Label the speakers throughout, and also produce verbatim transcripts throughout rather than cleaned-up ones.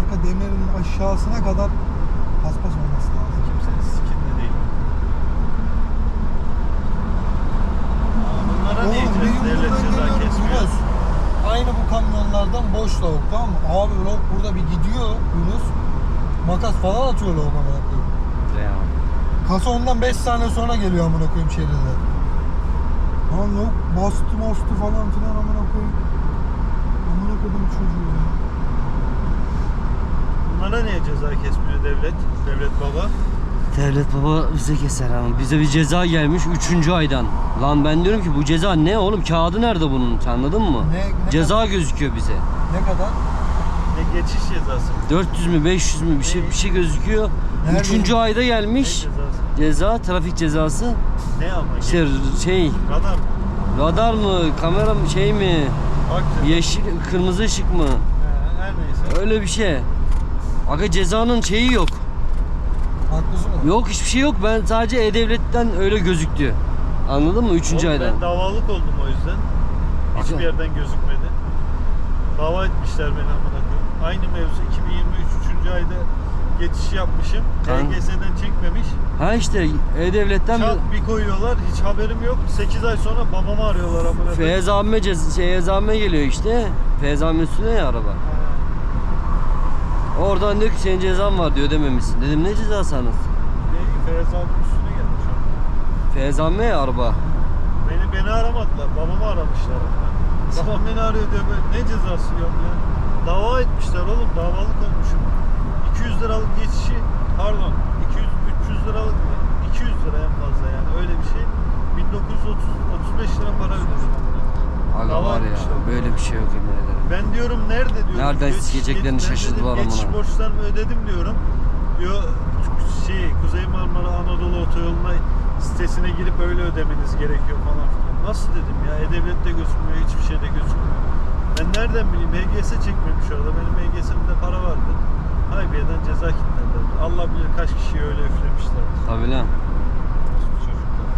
Speaker 1: arka demirin aşağısına kadar paspas olması lazım.
Speaker 2: Kimsenin sikinde değil. Bunlara ne
Speaker 1: Oğlum bir
Speaker 2: diyeceğiz? Devlet
Speaker 1: yumurtadan
Speaker 2: ceza
Speaker 1: geliyoruz
Speaker 2: kesmiyor.
Speaker 1: Yunus. Aynı bu kamyonlardan boş lavuk, tamam mı? Abi lavuk burada bir gidiyor Yunus. Makas falan atıyor lavuk amına koyayım.
Speaker 3: Ya.
Speaker 1: Kasa ondan beş saniye sonra geliyor amına koyayım şeride. Lan lavuk bastı bastı falan filan amına koyayım. Amına koydum çocuğu ya.
Speaker 2: Bunlara niye ceza kesmiyor devlet? Devlet baba.
Speaker 3: Devlet baba bize keser ama bize bir ceza gelmiş üçüncü aydan. Lan ben diyorum ki bu ceza ne oğlum, kağıdı nerede bunun, anladın mı?
Speaker 1: Ne, ne
Speaker 3: Ceza
Speaker 1: kadar?
Speaker 3: gözüküyor bize.
Speaker 1: Ne kadar?
Speaker 2: Ne geçiş cezası?
Speaker 3: dört yüz mü beş yüz mü bir şey bir şey gözüküyor.
Speaker 1: Nerede?
Speaker 3: Üçüncü ayda
Speaker 2: Ne
Speaker 3: gelmiş
Speaker 2: cezası?
Speaker 3: ceza, trafik cezası.
Speaker 2: Ne ama?
Speaker 3: İşte şey,
Speaker 2: Radar mı?
Speaker 3: radar mı, kamera mı, şey mi,
Speaker 2: Bak
Speaker 3: yeşil kırmızı ışık mı,
Speaker 2: He, her neyse.
Speaker 3: öyle bir şey. Aga cezanın şeyi yok.
Speaker 1: Haklısın mı?
Speaker 3: Yok, hiçbir şey yok. Ben sadece E-Devlet'ten öyle gözüktü. Anladın mı? Üçüncü
Speaker 2: Oğlum
Speaker 3: aydan.
Speaker 2: ben davalık oldum o yüzden. Hiçbir
Speaker 3: Aga.
Speaker 2: yerden gözükmedi. Dava etmişler beni amına koyayım. Aynı mevzu iki bin yirmi üç üçüncü ayda geçiş yapmışım.
Speaker 3: Kan-
Speaker 2: T G S'den çekmemiş.
Speaker 3: Ha işte E-Devlet'ten
Speaker 2: Çat bir koyuyorlar. Hiç haberim yok. sekiz ay sonra babamı arıyorlar amına koyayım.
Speaker 3: Feyyaz abime cez şey abime geliyor işte. Feyyaz abimin üstüne ya araba. Oradan diyor ki senin cezan var diyor, ödememişsin. Dedim ne cezası anasın?
Speaker 2: Ne Feyyaz abinin üstüne gelmiş o.
Speaker 3: Feyyaz abime ya araba.
Speaker 2: Beni beni aramadılar. Babamı aramışlar. Babam beni arıyor diyor böyle. Ne cezası yok ya. Dava etmişler oğlum. Davalık olmuşum. iki yüz liralık geçişi, pardon iki yüz üç yüz liralık mı? iki yüz lira en fazla yani öyle bir şey. bin dokuz yüz otuz beş lira para ödedim.
Speaker 3: Aga
Speaker 2: Dava
Speaker 3: var ya,
Speaker 2: etmişler.
Speaker 3: böyle bir şey yok yemin ederim.
Speaker 2: Ben diyorum nerede diyorum.
Speaker 3: Nereden
Speaker 2: Geç-
Speaker 3: sikeceklerini
Speaker 2: geç- ben
Speaker 3: şaşırdılar
Speaker 2: dedim, Geçiş
Speaker 3: amına.
Speaker 2: borçlarımı ödedim diyorum. Diyor şey Kuzey Marmara Anadolu Otoyolu'na sitesine girip öyle ödemeniz gerekiyor falan filan. Nasıl dedim ya, E-Devlet'te gözükmüyor, hiçbir şeyde gözükmüyor. Ben nereden bileyim, H G S çekmemiş orada, benim H G S'imde para vardı. Haybiye'den ceza kilitlendiler. Allah bilir kaç kişiyi öyle üflemişler.
Speaker 3: Tabii lan.
Speaker 2: Çocuklar.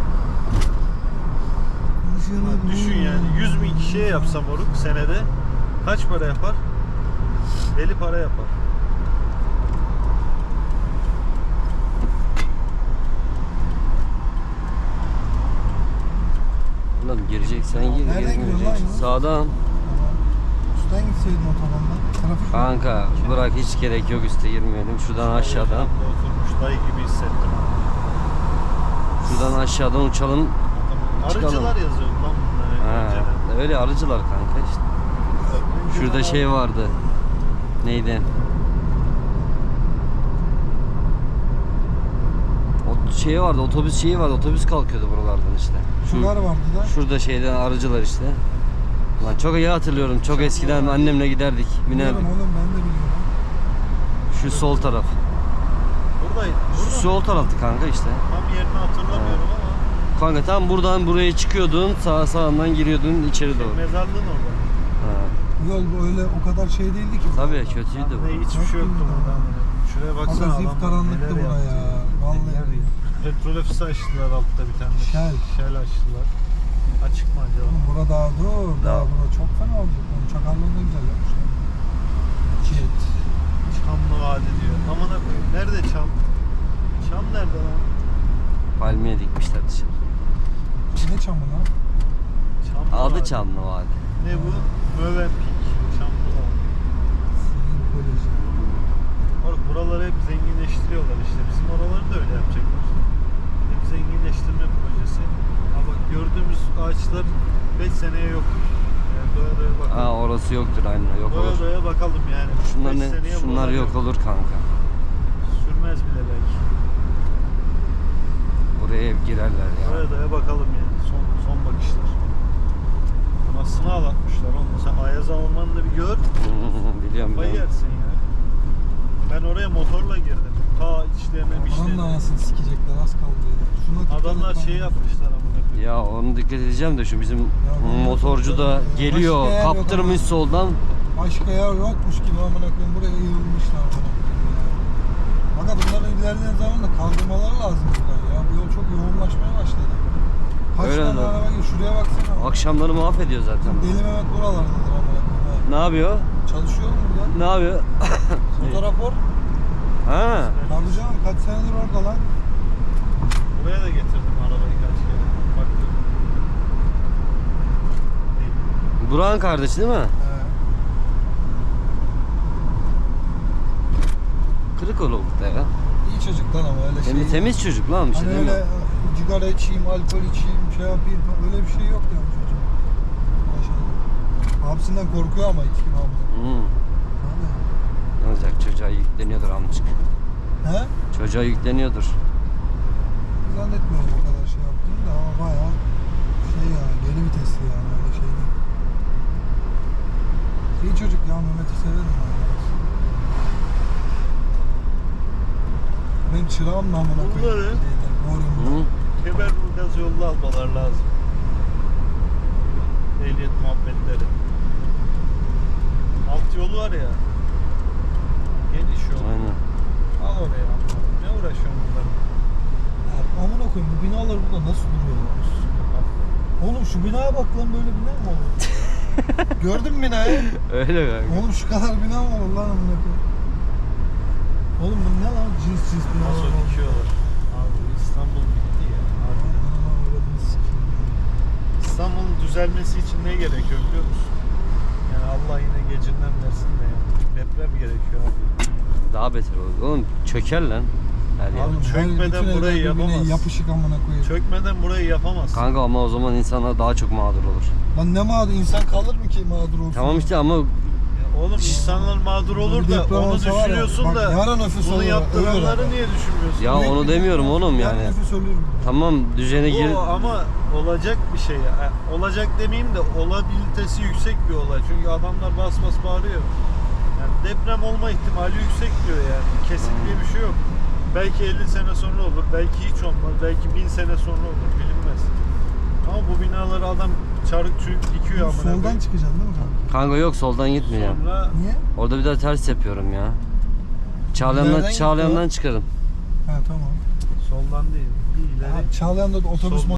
Speaker 2: Düşün yani yüz bin kişiye yapsam oruk senede kaç para yapar? Deli para yapar.
Speaker 3: Oğlum gireceksen gir,
Speaker 1: Nereden gidiyorsun lan
Speaker 3: girmeyeceksin.
Speaker 1: Yunus?
Speaker 3: Sağdan.
Speaker 1: Üstten gitseydin otobandan. Trafik var.
Speaker 3: Kanka bırak, hiç gerek yok üste girmeyelim. Şuradan aşağıdan.
Speaker 2: Ortamda oturmuş dayı gibi hissettim.
Speaker 3: Şuradan aşağıdan uçalım. Çıkalım.
Speaker 2: Arıcılar yazıyor lan bunları
Speaker 3: Ha,
Speaker 2: önceden.
Speaker 3: öyle arıcılar kanka işte. Şurada şey vardı. Neydi? O şey vardı, otobüs şeyi vardı. Otobüs kalkıyordu buralardan işte. Şu,
Speaker 1: Şunlar vardı da.
Speaker 3: şurada şeyden arıcılar işte. Lan çok iyi hatırlıyorum. Çok eskiden annemle giderdik,
Speaker 1: Biliyorum
Speaker 3: binerdik.
Speaker 1: oğlum, ben de biliyorum.
Speaker 3: Şu sol taraf.
Speaker 2: Buradaydı.
Speaker 3: Şu
Speaker 2: Burada mı?
Speaker 3: sol taraftı kanka işte.
Speaker 2: Tam yerini hatırlamıyorum ama
Speaker 3: Kanka tam buradan buraya çıkıyordun, sağ sağından giriyordun içeri doğru.
Speaker 2: mezarlığın orada.
Speaker 3: Ha.
Speaker 1: Yol böyle o kadar şey değildi ki.
Speaker 3: Tabii kötüydü
Speaker 2: Ne
Speaker 3: bu.
Speaker 2: hiçbir şey yoktu burada. Şuraya baksana
Speaker 1: Aga
Speaker 2: adam.
Speaker 1: zif karanlıktı
Speaker 2: neler
Speaker 1: bura
Speaker 2: yaptı.
Speaker 1: ya. Vallahi.
Speaker 2: Neler yaptı. Petrol ofisi açtılar altta bir tane.
Speaker 1: Shell.
Speaker 2: Shell açtılar. Açık mı acaba?
Speaker 1: Oğlum bura daha dur. Daha
Speaker 3: Daha.
Speaker 1: bura çok fena olacak. Oğlum çakallığı ne güzel yapmışlar. Jet.
Speaker 2: Çamlı Vadi diyor. Amına koyayım. Nerede çam? Çam nerede lan?
Speaker 3: Palmiye dikmişler dışarı.
Speaker 1: Ne çamı lan?
Speaker 2: Çamlı
Speaker 3: Adı
Speaker 2: Vadi.
Speaker 3: Çamlı Vadi.
Speaker 2: Ne bu? Mövenpik. Çamlı Vadi.
Speaker 1: Sinir Koleji.
Speaker 2: Oğlum buraları hep zenginleştiriyorlar işte. Bizim oraları da öyle yapacaklar. Hep zenginleştirme projesi. Ha bak gördüğümüz ağaçlar beş seneye yok. Yani doya doya bakalım.
Speaker 3: Aa orası yoktur aynen, yok
Speaker 2: doya
Speaker 3: olur.
Speaker 2: doya bakalım yani.
Speaker 3: Şunlar
Speaker 2: Beş
Speaker 3: ne?
Speaker 2: seneye
Speaker 3: Şunlar
Speaker 2: buralar
Speaker 3: yok olur kanka.
Speaker 2: Sürmez bile belki.
Speaker 3: Buraya hep girerler ya.
Speaker 2: Doya doya bakalım yani. Son son bakışlar. Anasını ağlatmışlar oğlum. Sen Ayaz Alman'ı da bir gör.
Speaker 3: Biliyorum
Speaker 2: Kafayı
Speaker 3: ben.
Speaker 2: yersin ya. Ben oraya motorla girdim. Ta içlerine
Speaker 1: Buranın da
Speaker 2: mişlerine.
Speaker 1: anasını sikecekler, az kaldı ya. Şuna dikkat
Speaker 2: Adamlar
Speaker 1: et lan.
Speaker 2: şey yapmışlar amına koyayım.
Speaker 3: Ya onu dikkat edeceğim de şu bizim
Speaker 1: ben-
Speaker 3: motorcu da geliyor,
Speaker 1: Başka yer yok
Speaker 3: kaptırmış
Speaker 1: ama.
Speaker 3: soldan.
Speaker 1: Başka yer yokmuş gibi amına koyayım, buraya yığılmışlar amına koyayım ya. Fakat bunların ilerleyen zamanda kaldırmaları lazım buradan ya. Bu yol çok yoğunlaşmaya başladı. Kaç
Speaker 3: Öyle
Speaker 1: tane
Speaker 3: lan.
Speaker 1: araba geliyor, şuraya baksana.
Speaker 3: Akşamları mahvediyor zaten.
Speaker 1: Deli Mehmet buralardadır amına koyayım.
Speaker 3: Ne yapıyor?
Speaker 1: Çalışıyor mu burada?
Speaker 3: Ne yapıyor?
Speaker 1: Otorapor.
Speaker 3: Ha.
Speaker 1: Tabii canım kaç senedir orada lan.
Speaker 2: Buraya da getirdim arabayı kaç kere. Baktım.
Speaker 3: Burak'ın kardeşi değil mi?
Speaker 1: He.
Speaker 3: Kırık oğlum da ya.
Speaker 1: İyi çocuklar ama öyle şey.
Speaker 3: Temiz, temiz çocuk lan bir şey
Speaker 1: Hani
Speaker 3: değil mi?
Speaker 1: öyle sigara içeyim, alkol içeyim, şey yapayım öyle bir şey yok yani çocuğum. Maşallah. Abisinden korkuyor ama içki abla.
Speaker 3: Hmm. Ne olacak, çocuğa yükleniyordur amcık.
Speaker 1: He?
Speaker 3: Çocuğa yükleniyordur.
Speaker 1: Zannetmiyorum o kadar şey yaptığını da ama bayağı şey ya, geri vitesli yani öyle şey değil. İyi çocuk ya, Mehmet'i severim ben. Ben çırağım namına koyayım.
Speaker 2: Bunları-
Speaker 3: Hı?
Speaker 2: Kemerburgaz yolunu almalar lazım. Ehliyet muhabbetleri. Alt yolu var ya. Geniş yol.
Speaker 3: Aynen.
Speaker 2: Al oraya. Ne uğraşıyorsun bunlarla?
Speaker 1: Ya, amına koyayım bu binalar burada nasıl duruyor lan? Oğlum şu binaya bak lan, böyle bina mı olur? Gördün mü binayı?
Speaker 3: Öyle kanka.
Speaker 1: Oğlum şu kadar bina mı olur lan amına koyayım? Oğlum bu ne lan, cins cins binalar
Speaker 2: Nasıl
Speaker 1: var.
Speaker 2: dikiyorlar? Abi İstanbul bitti ya. Harbiden.
Speaker 1: Ananı avradını sikeyim ya.
Speaker 2: İstanbul'un düzelmesi için ne gerekiyor biliyor musun? Yani Allah yine gecinden versin de ya. Deprem gerekiyor abi.
Speaker 3: Daha beter olur. Oğlum çöker lan. Her yer.
Speaker 2: Abi
Speaker 1: Oğlum,
Speaker 2: çökmeden
Speaker 1: bütün
Speaker 2: burayı
Speaker 1: evler birbirine
Speaker 2: yapamaz.
Speaker 1: Yapışık amına koyayım.
Speaker 2: Çökmeden burayı yapamaz.
Speaker 3: Kanka ama o zaman insanlar daha çok mağdur olur.
Speaker 1: Lan ne mağdur, insan kalır mı ki mağdur olsun?
Speaker 3: Tamam işte ama
Speaker 2: Ya oğlum insanlar mağdur olur
Speaker 1: Bir
Speaker 2: da
Speaker 1: deprem
Speaker 2: onu
Speaker 1: olsa var ya,
Speaker 2: düşünüyorsun
Speaker 1: bak
Speaker 2: da
Speaker 1: yarın nüfus
Speaker 2: bunu
Speaker 1: olur,
Speaker 2: yaptıranları
Speaker 1: ölür
Speaker 2: niye düşünmüyorsun?
Speaker 3: ya
Speaker 1: Büyük
Speaker 3: onu
Speaker 1: bir
Speaker 3: demiyorum
Speaker 1: deprem,
Speaker 3: oğlum
Speaker 1: yarın
Speaker 3: yani.
Speaker 1: nüfus ölür.
Speaker 3: Tamam düzene gir.
Speaker 2: Bu ama olacak bir şey ya. Ha, olacak demeyeyim de olabilitesi yüksek bir olay. Çünkü adamlar bas bas bağırıyor. Yani deprem olma ihtimali yüksek diyor yani. Kesin diye bir şey yok. Belki elli sene sonra olur, belki hiç olmaz, belki bin sene sonra olur, bilinmez. Ama bu binaları adam çarık çürük dikiyor amına
Speaker 1: Soldan
Speaker 2: koyayım.
Speaker 1: çıkacaksın değil mi kanka?
Speaker 3: Kanka yok soldan gitmeyeceğim.
Speaker 2: Sonra
Speaker 1: Niye?
Speaker 3: Orada bir daha ters yapıyorum ya. Çağlayan'dan,
Speaker 1: Nereden
Speaker 3: Çağlayan'dan
Speaker 1: gitti
Speaker 3: çıkarım.
Speaker 1: Ha tamam.
Speaker 2: soldan değil, bir ileri.
Speaker 1: Ha, Çağlayan'da da otobüs
Speaker 2: Sol-